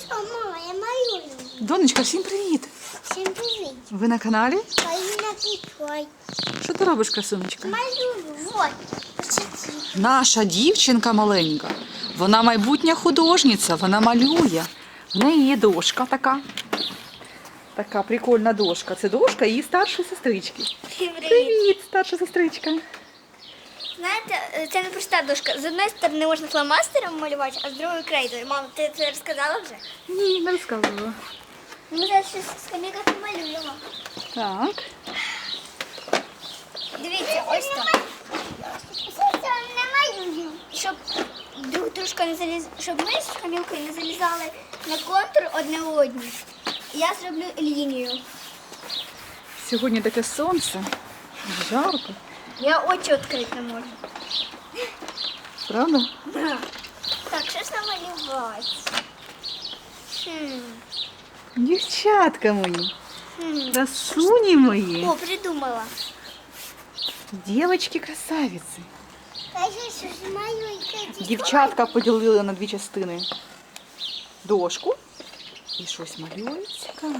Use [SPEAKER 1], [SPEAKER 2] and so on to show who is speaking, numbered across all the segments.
[SPEAKER 1] Що, мама, я малюю.
[SPEAKER 2] Донечка, всім привіт!
[SPEAKER 1] Всім привіт.
[SPEAKER 2] Ви на каналі?
[SPEAKER 1] Поліна Кіцой.
[SPEAKER 2] Що ти робиш, красунечка?
[SPEAKER 1] Малюю, вот. Почти.
[SPEAKER 2] Наша дівчинка маленька. Вона майбутня художниця, вона малює. В неї є дошка така. Така прикольна дошка. Це дошка її старшої сестрички. Привіт, старша сестричка.
[SPEAKER 3] Знаєте, це не проста дошка. З одної сторони можна фломастером малювати, а з другої крейдою. Мама, ти це розказала вже?
[SPEAKER 2] Ні, не розказувала.
[SPEAKER 3] Ми зараз щось з каміка помалюємо.
[SPEAKER 2] Так.
[SPEAKER 3] Дивіться, ось так.
[SPEAKER 1] Що не малюю?
[SPEAKER 3] Щоб дружка не заліз... щоб ми з камілкою не залізали на контур одне одні. Я зроблю лінію.
[SPEAKER 2] Сьогодні таке сонце. Жарко.
[SPEAKER 3] Я очі відкрити не можу.
[SPEAKER 2] Правда?
[SPEAKER 3] Так, що ж намалювати?
[SPEAKER 2] Дівчатка мої. Красуні мої.
[SPEAKER 3] О, придумала.
[SPEAKER 2] Дівчатки-красавиці.
[SPEAKER 1] Кажи, що ж малюю.
[SPEAKER 2] Дівчатка поділили на дві частини дошку і щось малюють цікаво.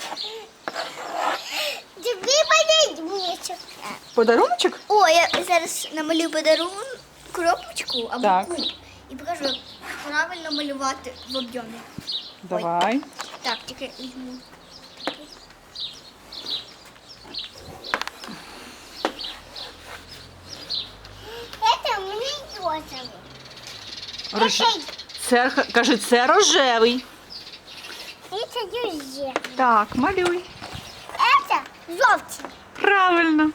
[SPEAKER 1] Тобі подивіться.
[SPEAKER 2] Подаруночок?
[SPEAKER 3] О, я зараз намалюю подарунок, коробочку або
[SPEAKER 2] Так.
[SPEAKER 3] куб. І покажу, як правильно малювати в об'ємі.
[SPEAKER 2] Давай.
[SPEAKER 3] Так, тільки візьму.
[SPEAKER 1] Це мені розовий.
[SPEAKER 2] Це, кажи, це рожевий.
[SPEAKER 1] Це друзі.
[SPEAKER 2] Так, малюй.
[SPEAKER 1] Це жовтий.
[SPEAKER 2] Правильно.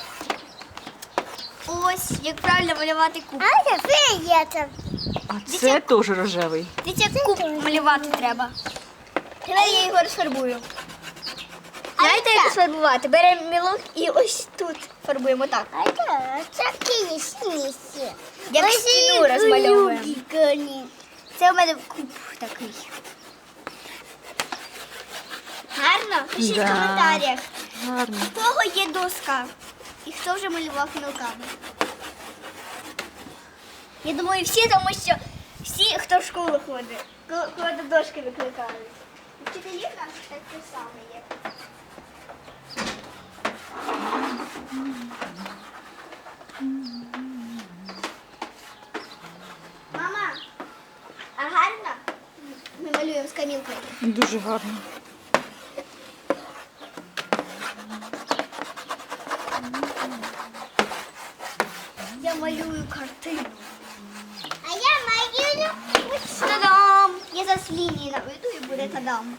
[SPEAKER 3] Ось, як правильно малювати куб.
[SPEAKER 1] А це фіолетовий.
[SPEAKER 2] А це теж рожевий.
[SPEAKER 3] Дивіться, як куб малювати треба. Давай я його розфарбую. Знаєте, як розфарбувати? Беремо мілок і ось тут фарбуємо так.
[SPEAKER 1] А це сині.
[SPEAKER 3] Як стіну розмальовуємо. Це у мене куб такий. Гарно? Пишіть
[SPEAKER 2] Да.
[SPEAKER 3] в коментарях,
[SPEAKER 2] Гарно.
[SPEAKER 3] в кого є доска і хто вже малював мілками. Я думаю, всі, тому що всі, хто в школу ходить, коли до дошки викликають. Вчителі в нас так саме є. Мама, а гарно? Ми малюємо з камілкою.
[SPEAKER 2] Дуже гарно.
[SPEAKER 3] Я малюю картину.
[SPEAKER 1] А я малюю.
[SPEAKER 3] Та-дам! Я зараз лінії наведу і буде та-дам.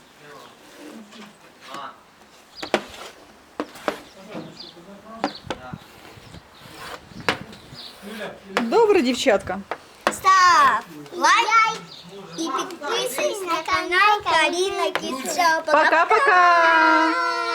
[SPEAKER 2] Добре, дівчатка.
[SPEAKER 3] Став лайк і підписуйся на канал Каріна Кіт Шоу.
[SPEAKER 2] Пока-пока.